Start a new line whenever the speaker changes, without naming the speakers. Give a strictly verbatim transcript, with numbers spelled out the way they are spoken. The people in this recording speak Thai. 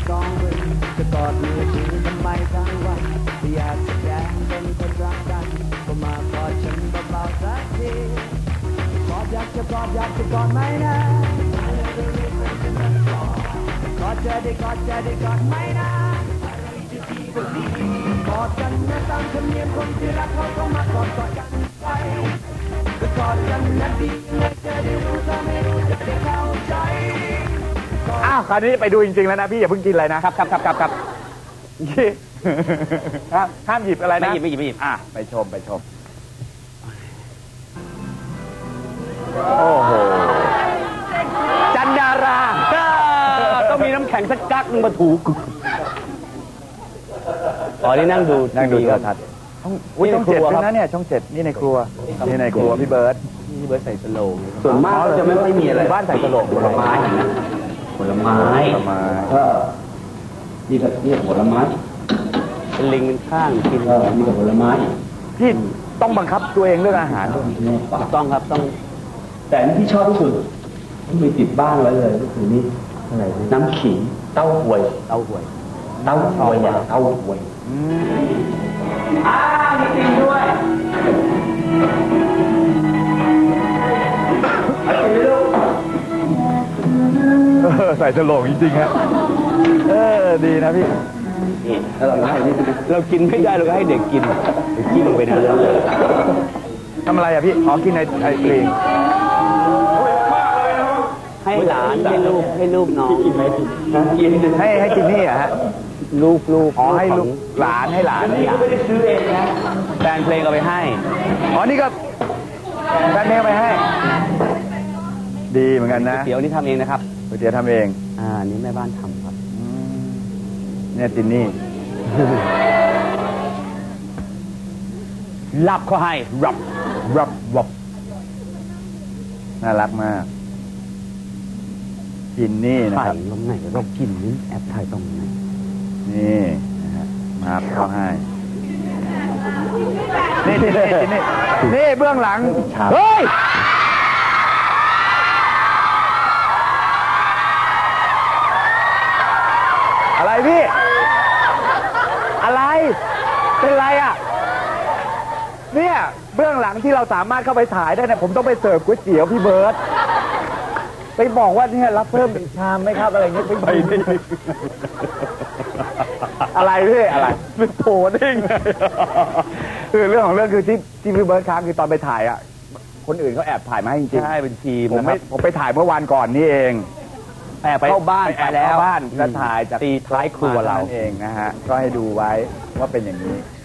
กองเวรจะกอดมือถือทำไมทั้งวันอยากจะแกล้งเป็นคนรักกันก็มากอดฉันเบาๆสักทีกอดอยากจะกอดอยากจะกอดไหมนะกอดจะได้กอดจะได้กอดไหมนะกอดกันนะตามธรรมเนียมคนที่รักเขาต้องมากอดกอดกันไปก็กอดกันนะดีนะจะได้รู้ถ้าไม่รู้จะได้เข้าใจ
อ้าวคราวนี้ไปดูจริงๆแล้วนะพี่อย่าเพิ่งกินอะไรนะครับครับครับครับครับห้ามหยิบอะไรนะไม่หยิบไม่หยิบไม่หยิบอ่ะไปชมไปชมโอ้โหจันดาราต้องมีน้ำแข็งสักกักนึงมาถูกอ๋อนี่นั่งดูนั่งดูโทรทัศน์อุ้ยช่องเจ็ดด้วยนะเนี่ยช่องเจ็ดนี่ในครัวนี่ในครัวพี่เบิร์ดพี่เบิร์ดใส่สโลงส่วนมากเราจะไม่ค่อยมีอะไรบ้านใส่สโลงผลไม้ผลไม้ผลไม้ก็นี่ก็นี่ผลไม้เป็นลิงเป็นข้างกินก็มีผลไม้พี่ต้องบังคับตัวเองเรื่องอาหารต้องครับต้องแต่ที่ชอบที่สุดที่มีติดบ้านไว้เลยก็คือนี่อะไรน้ำขิงเต้าหวยเต้าหวยเต้าหวยเต้าหวยอ่ามีจริงด้วยใส่ฉลองจริงๆฮะเออดีนะพี่นี่เราเรากินไม่ได้เราก็ให้เด็กกินเด็กกินลงไปนะทำอะไรอ่ะพี่ขอกินในไอศกรีมให้หลานให้ลูกให้ลูกน้องกินไหมกินให้ให้กินนี่อ่ะฮะลูกลูกอ๋อให้ลูกหลานให้หลานนี่ไม่ได้ซื้อเองนะแฟนเพลงเอาไปให้อ๋อนี่ก็แฟนเพลงไปให้ดีเหมือนกันนะเดี๋ยวนี้ทำเองนะครับเดี๋ยวทำเองอ่านี่แม่บ้านทำครับเนี่ยจินนี่รับเขาให้รับรับรับน่ารักมากจินนี่นะครับตรงไหนเรากินนี่แอบถ่ายตรงไหนนี่นะฮะมาเขาให้นี่นี่นี่นี่เบื้องหลังเฮ้ยอะไรพี่อะไรเป็นไรอ่ะเนี่ยเบื้องหลังที่เราสามารถเข้าไปถ่ายได้เนี่ยผมต้องไปเสิร์ฟก๋วยเตี๋ยวพี่เบิร์ตไปบอกว่าเนี่ยรับเพิ่มอีกชามไหมครับอะไรเงี้ยไปได้อะไรพี่อะไรเป็นโผล่ได้ไงคือเรื่องของเรื่องคือที่ที่พี่เบิร์ตค้างคือตอนไปถ่ายอ่ะคนอื่นเขาแอบถ่ายมาให้จริงๆใช่เป็นทีมนะครับผมไปถ่ายเมื่อวานก่อนนี่เองแอบเข้าบ้านไปแล้วบ้านแล้วถ่ายจากตีท้ายครัวเราเองนะฮะก็ให้ดูไว้ว่าเป็นอย่างนี้